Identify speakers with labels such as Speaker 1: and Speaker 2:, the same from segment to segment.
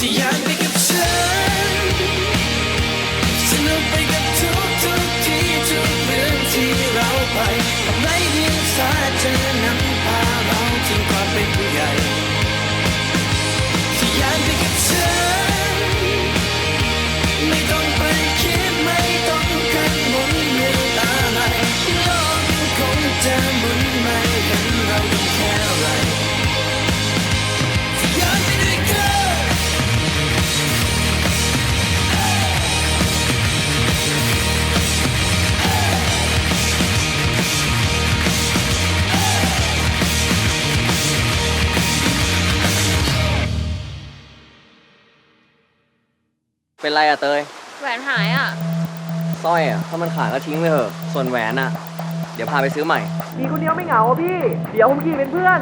Speaker 1: ที่อยากไปกับฉันสนุกไปกับทุกที่ทุกเรื่องที่เราไปไม่เพียงสายเธอนำพาเราถึงความเป็นผู้ใหญ่ที่อยากไปกับฉันไม่ต้องไปคิดไม่ต้องกังวลเรื่องอะไรโลกยังคงจะหมุนไม่เห็นเราต้องแค่อะไรที่อยากไปด้วยกัน
Speaker 2: เป็นไรอะเตย
Speaker 3: แหวนหายอ่ะ
Speaker 2: สร้อยอะถ้ามันขาดก็ทิ้งไปเถอะส่วนแหวนอะเดี๋ยวพาไปซื้อใหม่
Speaker 4: มีคนเดียวไม่เหงาพี่ เดี๋ยวผมขี่เป็นเพื่อน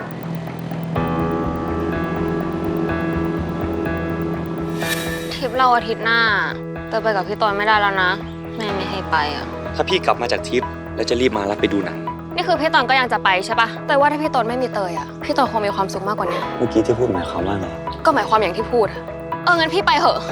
Speaker 3: ทริปเราอาทิตย์หน้าเตยไปกับพี่ตอยไม่ได้แล้วนะแม่ไม่ให้ไปอ่ะ
Speaker 5: ถ้าพี่กลับมาจากทริปแล้วจะรีบมารับไปดูหนัง
Speaker 3: นี่คือพี่ตอยก็ยังจะไปใช่ปะแต่ว่าถ้าพี่ตอยไม่มีเตยอ่ะพี่ตอยคงมีความสุขมากกว่านี้
Speaker 5: เมื่อกี้ที่พูดหมายความว่าไง
Speaker 3: ก็หมายความอย่างที่พูดอะงั้นพี่ไปเหอะ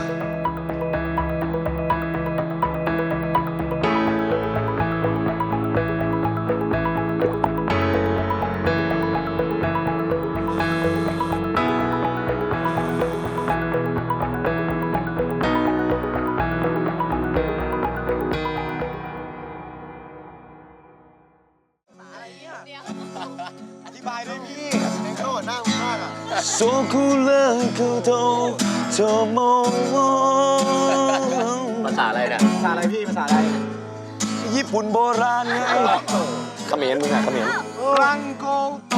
Speaker 5: โซคูเลอร์คูโตโตโม
Speaker 2: ภาษาอะไรเนี่ย
Speaker 4: ภาษาอะไรพี่ ภาษาอะไร
Speaker 5: ญี่ปุ่นโบราณไงเขมรมึงอะเขมร
Speaker 4: รังโกโต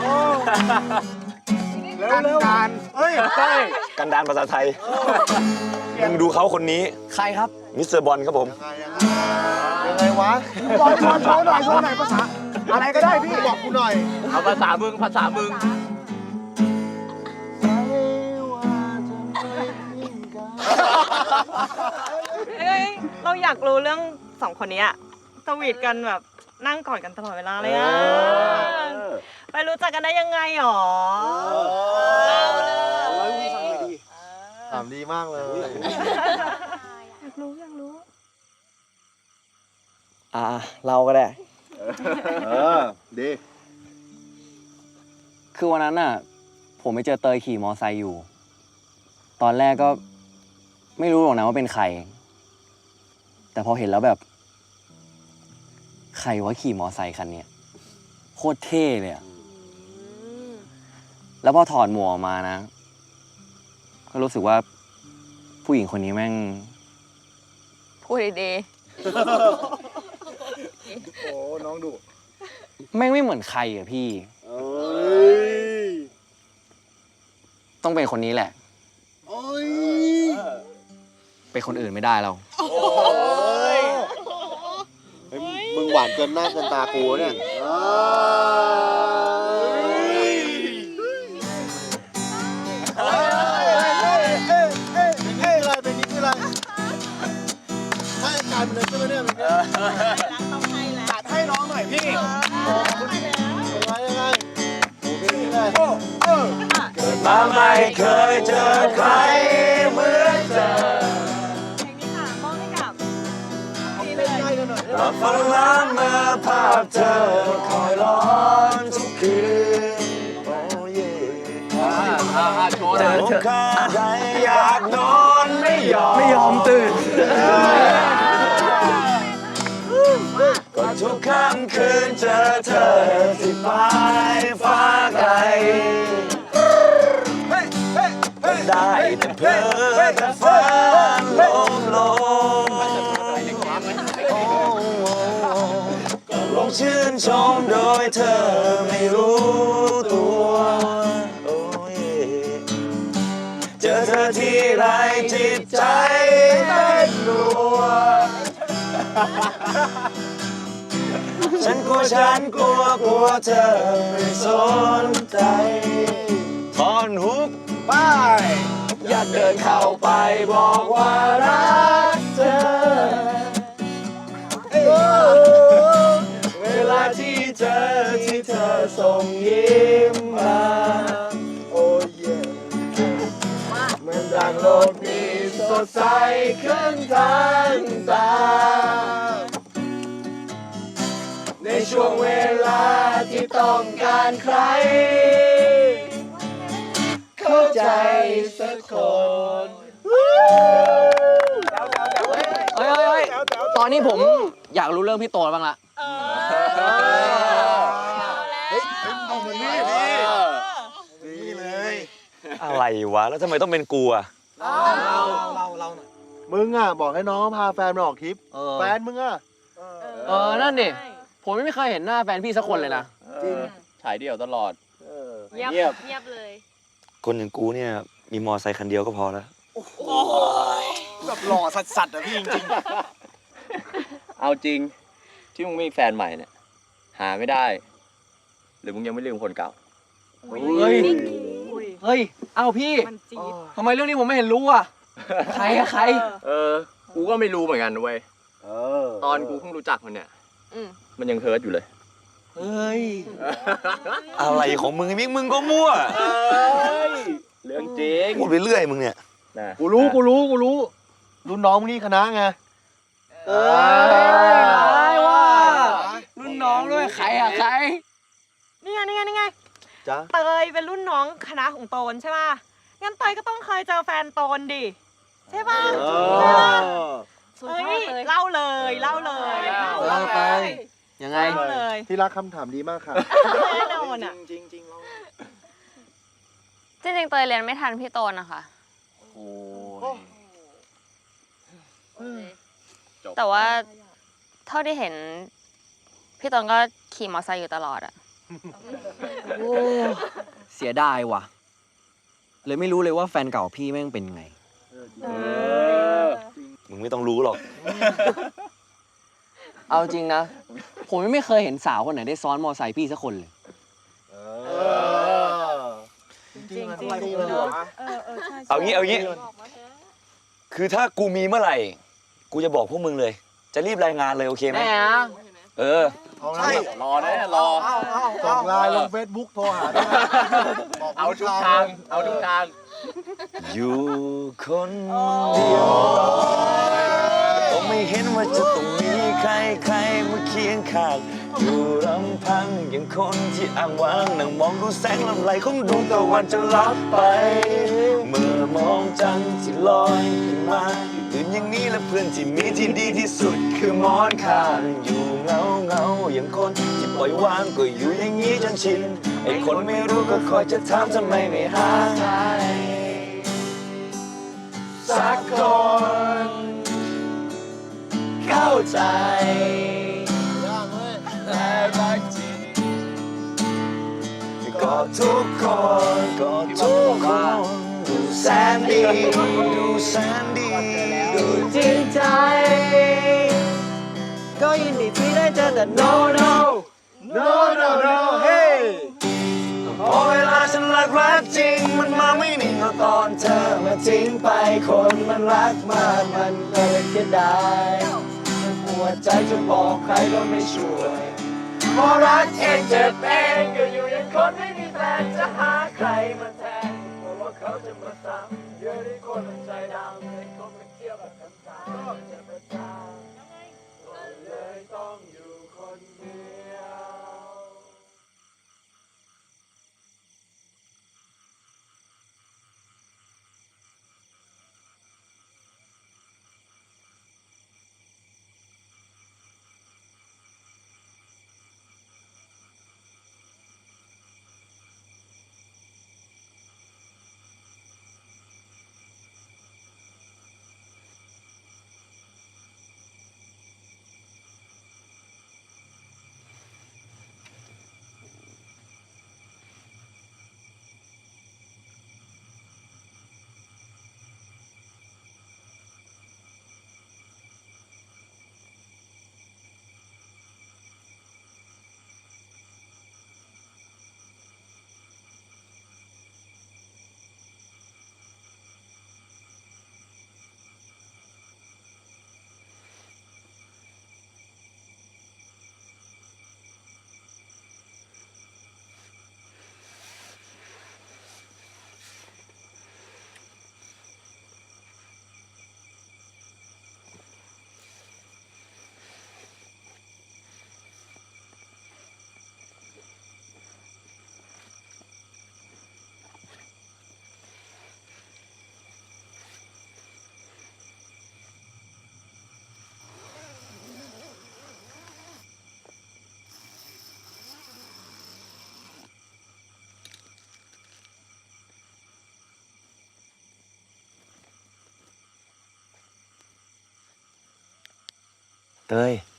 Speaker 4: เร็วการเฮ้ยใช่
Speaker 5: กันดานภาษาไทยมึงดูเขาคนนี้
Speaker 2: ใครครับ
Speaker 5: มิสเตอร์บอลครับผม
Speaker 4: ยังไงวะบอลโชว์หน่อย โชว์หน่อยภาษา อะไรก็ได้พี่ บอกกูหน่อย
Speaker 2: เอาภาษามึง ภาษามึง
Speaker 6: เอ้ยเราอยากรู้เรื่องสองคนนี้อะสวีทกันแบบนั่งกอดกันตลอดเวลาเลยอะไปรู้จักกันได้ยังไงหรอเล่าเลย
Speaker 4: ถามดีมากเลย
Speaker 6: อยากรู้
Speaker 2: เราก็ได้
Speaker 4: ดี
Speaker 2: คือวันนั้นน่ะ ผมไปเจอเตยขี่มอไซค์อยู่ ตอนแรกก็ไม่รู้หรอกนะว่าเป็นใคร แต่พอเห็นแล้วแบบ ใครว่าขี่มอไซค์คันเนี้ยโคตรเท่เลยอะแล้วพอถอดหมวกออกมานะ ก็รู้สึกว่าผู้หญิงคนนี้แม่ง
Speaker 3: พูดดี
Speaker 4: โอ้ น้องดุ
Speaker 2: แม่งไม่เหมือนใครอะพี่ ต้องเป็นคนนี้แหละ เป็นคนอื่นไม่ได้เรา
Speaker 4: มึงหวานเกินหน้าเกินตากูเนี่ยเป็นนี้คืออะไรให้การมันเลยใช่ไหมเนี่ยตัดให้น้องหน่อยพี่ยังไงโอเคได้
Speaker 5: เกิดมาไม่เคยเจอใครเหมือนเธอ มาฟังล้านมาภาพเธอคอยร้อนทุกคืนโอ้เย่เจอข้าใดอยากนอนไม่ยอมตื่นก็ทุกค่ำคืนเจอเธอที่ปลายฟ้าไกลได้แต่เพ้อแต่ฝันลมลงชื่นชมโดยเธอไม่รู้ตัวโอ้ยเจอเธอที่ไรจิตใจเต้นรัวฉันกลัวเธอไม่สนใจทอนฮุกไปอยากเดินเข้าไปบอกว่ารักเธอเวลาที่เธอส่งยิ้มมาโอ้ยเหมือนดังดมีสดใสขึ้นทันตาในช่วงเวลาที่ต้องการใครเข้าใจสักคน
Speaker 2: เฮ้ยตอนนี้ผมอยากรู้เรื่องพี่โตบ้างละ
Speaker 4: เอาเหมือนนี่นี่เลย
Speaker 5: อะไรวะ แล้วทำไมต้องเป็นกูอ่ะ
Speaker 4: เรามึงอ่ะบอกให้น้องพาแฟนมาออกทริปแฟนมึงอ่ะ
Speaker 2: นั่นดิผมไม่เคยเห็นหน้าแฟนพี่สักคนเลยนะ
Speaker 4: จริง
Speaker 7: ฉายเดี่ยวตลอด
Speaker 6: เงียบเลย
Speaker 5: คนอย่างกูเนี่ยมีมอไซค์คันเดียวก็พอแล้ว
Speaker 4: แบบหล่อสัสๆอ่ะพี่จริง
Speaker 7: เอาจริง ที่มึงมีแฟนใหม่เนี่ย หาไม่ได้ หรือมึงยังไม่ลืมคนเก่า
Speaker 2: เฮ้ย เฮ้ย เอ้าพี่
Speaker 6: มันจี๊ด
Speaker 2: ทำไมเรื่องนี้ผมไม่เห็นรู้อ่ะ ใครอะใคร
Speaker 7: กูก็ไม่รู้เหมือนกันเว้ย
Speaker 4: ๆ
Speaker 7: ตอนกูเพิ่งรู้จักมันเนี่ย
Speaker 6: อืม
Speaker 7: มันยังเฮิร์ตอยู่เลย
Speaker 2: เฮ้ย
Speaker 5: อะไรของมึงไอ้มิกมึงก็มั่ว
Speaker 7: เรื่องจริง
Speaker 5: พูดไปเรื่อยมึงเนี่ย
Speaker 7: นะ
Speaker 4: กูรู้รุ่นน้องมึงนี่คณะไง
Speaker 2: ร้ายว่ะ รุ่นน้องด้วย ใครอะใคร
Speaker 6: นี่ไง
Speaker 4: จ๊ะ
Speaker 6: เตยเป็นรุ่นน้องคณะของโตนใช่ป่ะ งั้นเตยก็ต้องเคยเจอแฟนโตนดิ ใช่ป่ะ เอ้ยเล่าเลย
Speaker 2: เล่าไป ยังไง
Speaker 6: เล่าเลย
Speaker 4: ที่รักคำถามดีมากค่ะ
Speaker 6: แน่นอนอ่ะ
Speaker 4: จริงจริงเรา
Speaker 3: จริงๆเตยเรียนไม่ทันพี่โตนนะคะ
Speaker 2: โอ้ย
Speaker 3: แต่ว่าเท่าที่เห็น พี่โตนก็ขี่มอเตอร์ไซค์อยู่ตลอดอะ
Speaker 2: เสียดายว่ะ เลยไม่รู้เลยว่าแฟนเก่าพี่แม่งเป็นไง
Speaker 5: มึงไม่ต้องรู้หรอก
Speaker 2: เอาจริงนะ ผมยังไม่เคยเห็นสาวคนไหนได้ซ้อนมอไซค์พี่สักคนเลย
Speaker 4: จริง
Speaker 6: จริง
Speaker 4: ๆ
Speaker 6: จริง
Speaker 4: เลย
Speaker 6: เนาะ
Speaker 4: วะ
Speaker 6: ใช่
Speaker 5: เอางี้ คือถ้ากูมีเมื่อไหร่ กูจะบอกพวกมึงเลย จะรีบรายงานเลยโอเคไหม
Speaker 2: แน่นะ
Speaker 5: เออ
Speaker 4: เอาละ
Speaker 7: รอนะรอ
Speaker 4: ส่งไลน์ลงเฟซบุ๊กโทรหาด้วยนะบอก
Speaker 7: เอาทุกทาง เอาทุกทาง
Speaker 5: อยู่คนเดียวก็ไม่เห็นว่าจะต้องมีใครมาเคียงข้างอยู่ลำพังอย่างคนที่อ้างว้างนั่งมองดูแสงลำไหลของดวงตะวันจะลับไป เมื่อมองจันทร์ที่ลอยขึ้นมาอยู่ตื่นอย่างนี้และเพื่อนที่มีที่ดีที่สุดคือหมอนข้างอยู่เงาอย่างคนที่ปล่อยวางก็อยู่อย่างนี้จนชินไอ้คนไม่รู้ก็คอยจะถามทำไมไม่หาใครสักคนเข้าใจและรักจริงก็ทุกคนดูแสนดีดูจริงใจก็ยินดีที่ได้เจอแต่ no
Speaker 4: hey
Speaker 5: พอเวลาฉันรักจริงมันมาไม่นิ่งเอาตอนเธอมาทิ้งไปคนมันรักมากมันก็เลยเสียดายหัวใจจะบอกใครก็ไม่ช่วยพอรักเองเจ็บเองก็อยู่อย่างคนไม่มีแฟนจะหาใครมาแทนเพราะว่าเขาจะมาซ้ำเยอะที่คนมันใจดำเลยคนมันเที่ยวแบบคำถามจะประจานก็เลยต้องอยู่คนเดียวเตย